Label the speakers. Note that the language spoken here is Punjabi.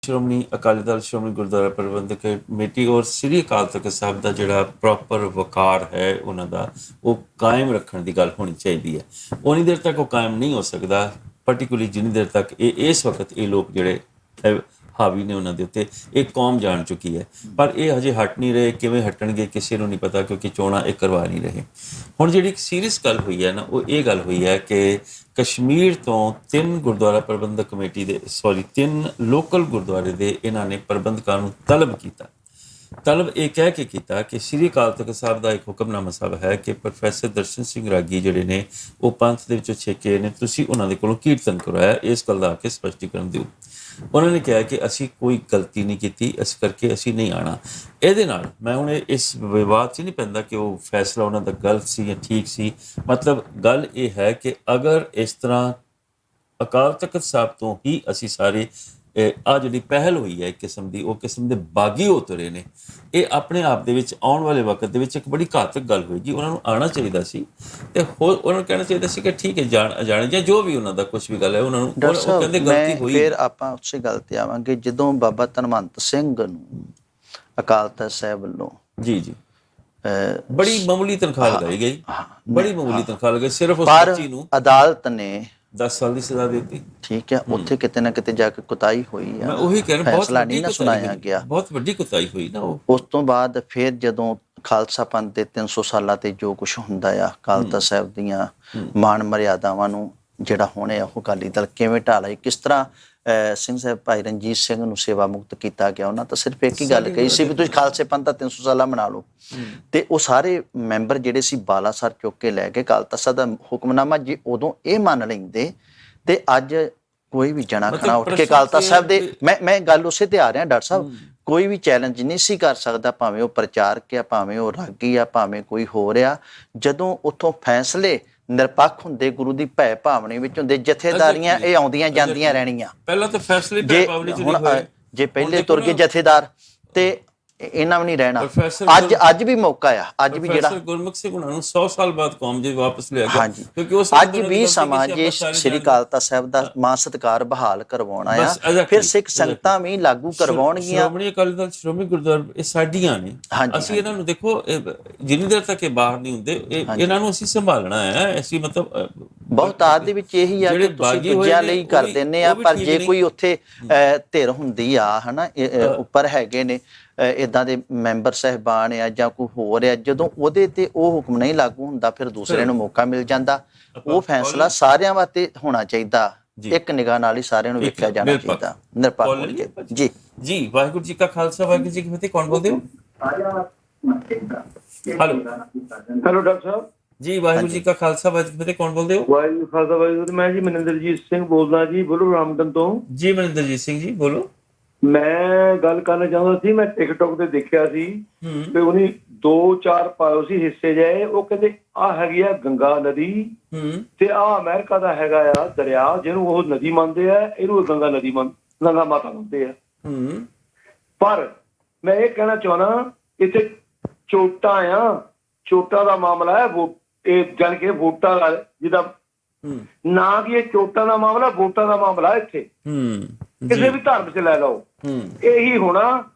Speaker 1: ਸ਼੍ਰੋਮਣੀ ਅਕਾਲੀ ਦਲ ਸ਼੍ਰੋਮਣੀ ਗੁਰਦੁਆਰਾ ਪ੍ਰਬੰਧਕ ਕਮੇਟੀ ਔਰ ਸ੍ਰੀ ਅਕਾਲ ਤਖਤ ਸਾਹਿਬ ਦਾ ਜਿਹੜਾ ਪ੍ਰੋਪਰ ਵਕਾਰ ਹੈ ਉਹਨਾਂ ਦਾ ਉਹ ਕਾਇਮ ਰੱਖਣ ਦੀ ਗੱਲ ਹੋਣੀ ਚਾਹੀਦੀ ਹੈ। ਉਨੀ ਦੇਰ ਤੱਕ ਉਹ ਕਾਇਮ ਨਹੀਂ ਹੋ ਸਕਦਾ, ਪਾਰਟਿਕੂਲਰਲੀ ਜਿੰਨੀ ਦੇਰ ਤੱਕ ਇਸ ਵਕਤ ਇਹ ਲੋਕ ਜਿਹੜੇ ਹਾਵੀ ਨੇ ਉਹਨਾਂ ਦੇ ਉੱਤੇ ਇਹ ਕੌਮ ਜਾਣ ਚੁੱਕੀ ਹੈ। ਪਰ ਇਹ ਹਜੇ ਹਟ ਨਹੀਂ ਰਹੇ, ਕਿਵੇਂ ਹਟਣਗੇ ਕਿਸੇ ਨੂੰ ਨਹੀਂ ਪਤਾ, ਕਿਉਂਕਿ ਚੋਣਾਂ ਇਹ ਕਰਵਾ ਨਹੀਂ ਰਹੇ। ਹੁਣ ਜਿਹੜੀ ਇੱਕ ਸੀਰੀਅਸ ਗੱਲ ਹੋਈ ਹੈ ਨਾ, ਉਹ ਇਹ ਗੱਲ ਹੋਈ ਹੈ ਕਿ ਕਸ਼ਮੀਰ ਤੋਂ 3 ਗੁਰਦੁਆਰਾ ਪ੍ਰਬੰਧਕ ਕਮੇਟੀ ਦੇ 3 ਲੋਕਲ ਗੁਰਦੁਆਰੇ ਦੇ ਇਹਨਾਂ ਨੇ ਪ੍ਰਬੰਧਕਾਂ ਨੂੰ ਤਲਬ ਕੀਤਾ। ਤਲਬ ਇਹ ਕਹਿ ਕੇ ਕੀਤਾ ਕਿ ਸ੍ਰੀ ਅਕਾਲ ਤਖਤ ਸਾਹਿਬ ਦਾ ਇੱਕ ਹੁਕਮਨਾਮਾ ਸਾਹਿਬ ਹੈ ਕਿ ਪ੍ਰੋਫੈਸਰ ਦਰਸ਼ਨ ਸਿੰਘ ਰਾਗੀ ਜਿਹੜੇ ਨੇ ਉਹ ਪੰਥ ਦੇ ਵਿੱਚੋਂ ਛੇਕੇ ਨੇ, ਤੁਸੀਂ ਉਹਨਾਂ ਦੇ ਕੋਲੋਂ ਕੀਰਤਨ ਕਰਵਾਇਆ, ਇਸ ਗੱਲ ਦਾ ਆ ਕੇ ਸਪਸ਼ਟੀਕਰਨ ਦਿਓ। ਉਹਨਾਂ ਨੇ ਕਿਹਾ ਕਿ ਅਸੀਂ ਕੋਈ ਗਲਤੀ ਨਹੀਂ ਕੀਤੀ, ਇਸ ਕਰਕੇ ਅਸੀਂ ਨਹੀਂ ਆਉਣਾ। ਇਹਦੇ ਨਾਲ ਮੈਂ ਹੁਣ ਇਸ ਵਿਵਾਦ 'ਚ ਨਹੀਂ ਪੈਂਦਾ ਕਿ ਉਹ ਫੈਸਲਾ ਉਹਨਾਂ ਦਾ ਗਲਤ ਸੀ ਜਾਂ ਠੀਕ ਸੀ। ਮਤਲਬ ਗੱਲ ਇਹ ਹੈ ਕਿ ਅਗਰ ਇਸ ਤਰ੍ਹਾਂ ਅਕਾਲ ਤਖਤ ਸਾਹਿਬ ਤੋਂ ਹੀ ਅਸੀਂ ਸਾਰੇ ਆਹ ਜਿਹੜੀ ਪਹਿਲ ਹੋਈ ਹੈ ਇੱਕ ਕਿਸਮ ਦੀ, ਉਹ ਕਿਸਮ ਦੇ ਬਾਗੀ ਹੋ ਤੁਰੇ ਨੇ, ਇਹ ਆਪਣੇ ਆਪ ਦੇ ਵਿੱਚ ਆਉਣ ਵਾਲੇ ਵਕਤ ਦੇ ਵਿੱਚ ਇੱਕ ਬੜੀ ਘਾਤਕ ਗੱਲ ਹੋਏਗੀ। ਉਹਨਾਂ ਨੂੰ ਆਉਣਾ ਚਾਹੀਦਾ ਸੀ ਤੇ ਹੋਰ ਉਹਨਾਂ ਨੂੰ ਕਹਿਣਾ ਚਾਹੀਦਾ ਸੀ ਕਿ ਠੀਕ ਹੈ ਜਾਣੇ ਜਾਂ ਜੋ ਵੀ ਉਹਨਾਂ ਦਾ ਕੁਝ ਵੀ ਗੱਲ ਹੈ, ਉਹਨਾਂ ਨੂੰ ਉਹ ਕਹਿੰਦੇ ਗਲਤੀ ਹੋਈ।
Speaker 2: ਫਿਰ ਆਪਾਂ ਉਸੇ ਗੱਲ ਤੇ ਆਵਾਂਗੇ ਜਦੋਂ ਬਾਬਾ ਧਨਵੰਤ ਸਿੰਘ ਨੂੰ ਅਕਾਲ ਤਖਤ ਸਾਹਿਬ ਵੱਲੋਂ
Speaker 1: ਜੀ ਬੜੀ ਮਾਮੂਲੀ ਤਨਖਾਹ ਲਗਾਈ ਗਈ, ਬੜੀ ਮਾਮੂਲੀ ਤਨਖਾਹ ਲਗਾਈ, ਸਿਰਫ ਉਸ ਬੱਚੀ ਨੂੰ
Speaker 2: ਅਦਾਲਤ ਨੇ
Speaker 1: 10 ਸਾਲ ਦੀ ਸਜ਼ਾ ਦਿੱਤੀ।
Speaker 2: ਠੀਕ ਹੈ, ਉੱਥੇ ਕਿਤੇ ਨਾ ਕਿਤੇ ਜਾ ਕੇ ਕੁਤਾਹੀ ਹੋਈ ਆ।
Speaker 1: ਮੈਂ ਉਹੀ ਕਹਿ ਰਿਹਾ,
Speaker 2: ਫੈਸਲਾ ਨਹੀਂ ਨਾ ਸੁਣਾਇਆ ਗਿਆ,
Speaker 1: ਬਹੁਤ ਵੱਡੀ ਕੁਤਾਹੀ ਹੋਈ ਨਾ ਉਹ।
Speaker 2: ਉਸ ਤੋਂ ਬਾਅਦ ਫਿਰ ਜਦੋਂ ਖਾਲਸਾ ਪੰਥ ਦੇ 300 ਸਾਲਾਂ ਤੇ ਜੋ ਕੁਝ ਹੁੰਦਾ ਆ, ਅਕਾਲ ਤਖਤ ਸਾਹਿਬ ਦੀਆਂ ਮਾਣ ਮਰਿਆਦਾਵਾਂ ਨੂੰ ਜਿਹੜਾ ਹੋਣੇ ਆ ਉਹ ਅਕਾਲੀ ਦਲ ਕਿਵੇਂ ਢਾਲਾ, ਕਿਸ ਤਰ੍ਹਾਂ ਸਿੰਘ ਸਾਹਿਬ ਭਾਈ ਰਣਜੀਤ ਸਿੰਘ ਨੂੰ ਸੇਵਾ ਮੁਕਤ ਕੀਤਾ ਗਿਆ। ਉਹਨਾਂ ਤਾਂ ਸਿਰਫ ਇੱਕ ਹੀ ਗੱਲ ਕਹੀ ਸੀ ਵੀ ਤੁਸੀਂ ਖਾਲਸੇ ਪੰਥ ਦਾ 300 ਸਾਲਾ ਮਨਾ ਲਓ, ਤੇ ਉਹ ਸਾਰੇ ਮੈਂਬਰ ਜਿਹੜੇ ਸੀ ਬਾਲਾਸਰ ਚੁੱਕ ਕੇ ਲੈ ਕੇ ਅਕਾਲ ਤਖਤ ਸਾਹਿਬ ਦਾ ਹੁਕਮਨਾਮਾ ਜੇ ਉਦੋਂ ਇਹ ਮੰਨ ਲੈਂਦੇ ਤੇ ਅੱਜ ਕੋਈ ਵੀ ਜਣਾ ਖਣਾ ਉੱਠ ਕੇ ਅਕਾਲ ਤਖਤ ਸਾਹਿਬ ਦੇ ਮੈਂ ਗੱਲ ਉਸੇ ਤੇ ਆ ਰਿਹਾ ਡਾਕਟਰ ਸਾਹਿਬ, ਕੋਈ ਵੀ ਚੈਲੰਜ ਨਹੀਂ ਸੀ ਕਰ ਸਕਦਾ, ਭਾਵੇਂ ਉਹ ਪ੍ਰਚਾਰਕ ਆ, ਭਾਵੇਂ ਉਹ ਰਾਗੀ ਆ, ਭਾਵੇਂ ਕੋਈ ਹੋਰ ਆ। ਜਦੋਂ ਉੱਥੋਂ ਫੈਸਲੇ ਨਿਰਪੱਖ ਹੁੰਦੇ, ਗੁਰੂ ਦੀ ਭੈ ਭਾਵਨਾ ਵਿੱਚ ਹੁੰਦੇ, ਜਥੇਦਾਰੀਆਂ ਇਹ ਆਉਂਦੀਆਂ ਜਾਂਦੀਆਂ ਰਹਿਣੀਆਂ।
Speaker 1: ਪਹਿਲਾਂ ਤਾਂ ਫੈਸਲੇ ਭੈ ਭਾਵਨਾ ਚ ਨਹੀਂ ਹੋਏ,
Speaker 2: ਜੇ ਪਹਿਲੇ ਤੁਰ ਕੇ ਜਥੇਦਾਰ ਤੇ ਇਹਨਾਂ ਵੀ ਨਹੀਂ ਰਹਿਣਾ। ਅੱਜ ਵੀ ਮੌਕਾ ਆ, ਅੱਜ ਵੀ ਜਿਹੜਾ
Speaker 1: ਗੁਰਮੁਖ ਸਿੰਘ ਉਹਨਾਂ ਨੂੰ 100 ਸਾਲ ਬਾਅਦ ਕੌਮ ਜੇ ਵਾਪਸ ਲਿਆ ਗਿਆ,
Speaker 2: ਕਿਉਂਕਿ ਉਸ ਅੱਜ ਵੀ ਸਮਾਂ ਜੇ ਸ੍ਰੀ ਅਕਾਲ ਤਖਤ ਸਾਹਿਬ ਦਾ ਮਾਨ ਸਤਿਕਾਰ ਬਹਾਲ ਕਰਵਾਉਣਾ ਆ, ਫਿਰ ਸਿੱਖ ਸੰਗਤਾਂ ਵੀ ਲਾਗੂ ਕਰਵਾਉਣਗੀਆਂ।
Speaker 1: ਸ਼੍ਰੋਮਣੀ ਅਕਾਲੀ ਦਲ ਸ਼੍ਰੋਮਣੀ ਗੁਰਦੁਆਰਾ ਇਹ ਸਾਡੀਆਂ ਨੇ, ਅਸੀਂ ਇਹਨਾਂ ਨੂੰ ਦੇਖੋ ਜਿੰਨੀ ਦੇਰ ਤੱਕ ਇਹ ਬਾਹਰ ਨਹੀਂ ਹੁੰਦੇ ਇਹਨਾਂ ਨੂੰ ਅਸੀਂ ਸੰਭਾਲਣਾ ਹੈ। ਅਸੀਂ ਮਤਲਬ
Speaker 2: ਬਹੁਤਾਤ ਦੇ ਵਿੱਚ ਇਹੀ ਆ ਕਿ ਤੁਸੀਂ ਦੂਜਿਆਂ ਲਈ ਕਰ ਦਿੰਦੇ ਆ, ਪਰ ਜੇ ਕੋਈ ਉੱਥੇ ਧਿਰ ਹੁੰਦੀ ਆ ਹਨਾ, ਉੱਪਰ ਹੈਗੇ ਨੇ ਏਦਾਂ ਦੇ ਮੈਂਬਰ ਸਾਹਿਬਾਨ ਆ ਜਾਂ ਕੋਈ ਹੋਰ ਆ, ਜਦੋਂ ਉਹਦੇ ਤੇ ਉਹ ਹੁਕਮ ਨਹੀਂ ਲਾਗੂ ਹੁੰਦਾ ਫਿਰ ਦੂਸਰੇ ਨੂੰ ਮੌਕਾ ਮਿਲ ਜਾਂਦਾ। ਉਹ ਫੈਸਲਾ ਸਾਰਿਆਂ ਵਾਸਤੇ ਹੋਣਾ ਚਾਹੀਦਾ, ਇੱਕ ਨਿਗਾਹ ਨਾਲ ਹੀ ਸਾਰਿਆਂ ਨੂੰ ਵੇਖਿਆ ਜਾਣਾ ਚਾਹੀਦਾ, ਨਿਰਪੱਖ ਹੋ ਕੇ।
Speaker 1: ਜੀ ਵਾਹਿਗੁਰੂ ਜੀ ਕਾ ਖਾਲਸਾ, ਵਾਹਿਗੁਰੂ ਜੀ ਕੀ ਫਤਿਹ। ਕੌਣ ਬੋਲਦੇ ਹੋ?
Speaker 3: ਹੈਲੋ ਡਾਕਟਰ ਸਾਹਿਬ
Speaker 1: ਜੀ, ਵਾਹਿਗੁਰੂ ਜੀ ਕਾ ਖਾਲਸਾ, ਵਾਹਿਗੁਰੂ ਜੀ ਕੀ ਫਤਿਹ। ਕੌਣ ਬੋਲਦੇ ਹੋ?
Speaker 3: ਵਾਹਿਗੁਰੂ ਖਾਲਸਾ ਵਾਹਿਗੁਰੂ। ਮੈਂ ਜੀ ਮਨਿੰਦਰਜੀਤ ਸਿੰਘ ਬੋਲਦਾ ਜੀ, ਬੋਲੋ ਰਾਮਗਨ ਤੋਂ।
Speaker 1: ਜੀ ਮਨਿੰਦਰਜੀਤ ਸਿੰਘ ਜੀ ਬੋਲੋ।
Speaker 3: ਮੈਂ ਗੱਲ ਕਰਨਾ ਚਾਹੁੰਦਾ ਸੀ, ਮੈਂ ਟਿਕਟੋਕ ਤੇ ਦੇਖਿਆ ਸੀ ਤੇ ਉਹਨੇ 2-4 ਪਾਇਓ ਸੀ ਹਿੱਸੇ ਜਾਏ। ਉਹ ਕਹਿੰਦੇ ਆਹ ਹੈਗੀ ਆ ਗੰਗਾ ਨਦੀ ਤੇ ਆਹ ਅਮਰੀਕਾ ਦਾ ਹੈਗਾ ਆ ਦਰਿਆ, ਜਿਹਨੂੰ ਉਹ ਨਦੀ ਮੰਨਦੇ ਆ, ਇਹਨੂੰ ਗੰਗਾ ਨਦੀ ਗੰਗਾ ਮਾਤਾ ਮੰਨਦੇ ਆ। ਪਰ ਮੈਂ ਇਹ ਕਹਿਣਾ ਚਾਹੁੰਦਾ, ਇੱਥੇ ਚੋਟਾਂ ਆ, ਚੋਟਾਂ ਦਾ ਮਾਮਲਾ ਹੈ, ਇਹ ਜਾਣ ਕੇ ਵੋਟਾਂ ਦਾ, ਜਿਹਦਾ ਨਾ ਕਿ ਇਹ ਚੋਟਾਂ ਦਾ ਮਾਮਲਾ, ਵੋਟਾਂ ਦਾ ਮਾਮਲਾ। ਇੱਥੇ ਕਿਸੇ ਵੀ ਧਰਮ ਚ ਲੈ ਲਓ ਇਹੀ ਹੋਣਾ